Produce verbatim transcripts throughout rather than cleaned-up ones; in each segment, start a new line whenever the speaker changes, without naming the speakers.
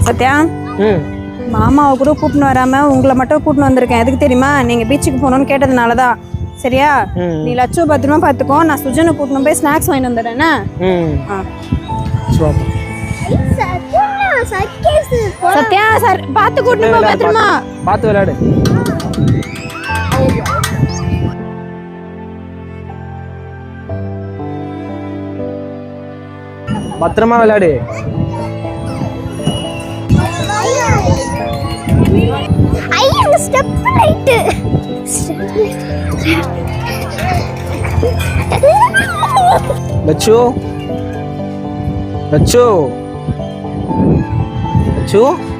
சத்யா,
ம்
மாமாவை கூட கூட்டின்னு வராம உங்களை மட்டும் கூட்டின்னு வந்திருக்கேன். எதுக்கு தெரியுமா? நீங்க பீச்சுக்கு போகணும்னு கேட்டதுனாலதான். சரியா? நீ லட்சம் பத்திரமா பாத்துக்கோ. நான் சுஜனை கூட்டின்னு போய் ஸ்நாக்ஸ் வாங்கி வந்துடுறேன்னா. சத்யா சார் பாத்து கூட்டின்னு போ பத்திரமா.
பாத்து விளையாடு. பத்திரமா விளையாடு.
ஐயா ஸ்டெப் ரைட்.
லட்சு லட்சு லட்சு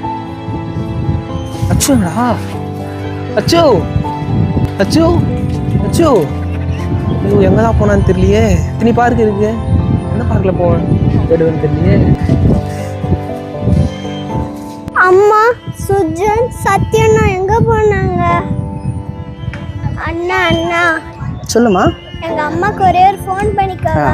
லட்சுடா லட்சு லட்சு லட்சு ஐயோ எங்கதான் போனான்னு தெரியலையே. இத்தனி பார்க் இருக்கு, என்ன பார்க்கில் போவேன் தேடுவேன்னு தெரியலையே.
அம்மா, சுஜன், சத்யண்ணா எங்க போனாங்க? அண்ணா அண்ணா
சொல்லுமா.
எங்க அம்மாக்கு ஒரே ஒரு ஃபோன் பண்ணிக்கவா?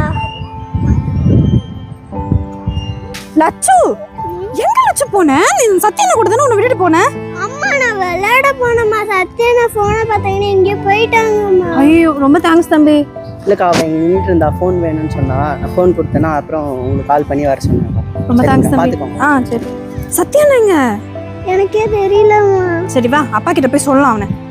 லட்சு எங்க லட்சு போன? நீ சத்யண்ணா கூட தானே உன்னை விட்டுட்டு போன?
அம்மா நான் விளையாட போனேம்மா. சத்யண்ணா ஃபோனை பார்த்தாங்கன்னா எங்கேயோ போயிட்டாங்கம்மா.
ஐயோ ரொம்ப தேங்க்ஸ் தம்பி.
இல்லைக்கா, அவன் இங்கே நின்றுட்டு இருந்தா ஃபோன் வேணும்னு சொன்னா, நான் ஃபோன் கொடுத்தேன்னா அப்புறம் உங்களுக்கு கால் பண்ணி வர சொன்னேன்.
ரொம்ப தேங்க்ஸ் தம்பி. ஆ சரி. சத்யண்ணா எங்க?
எனக்கே தெரியலம்மா.
சரி வா அப்பா கிட்ட போய் சொல்லலாம் அவனை.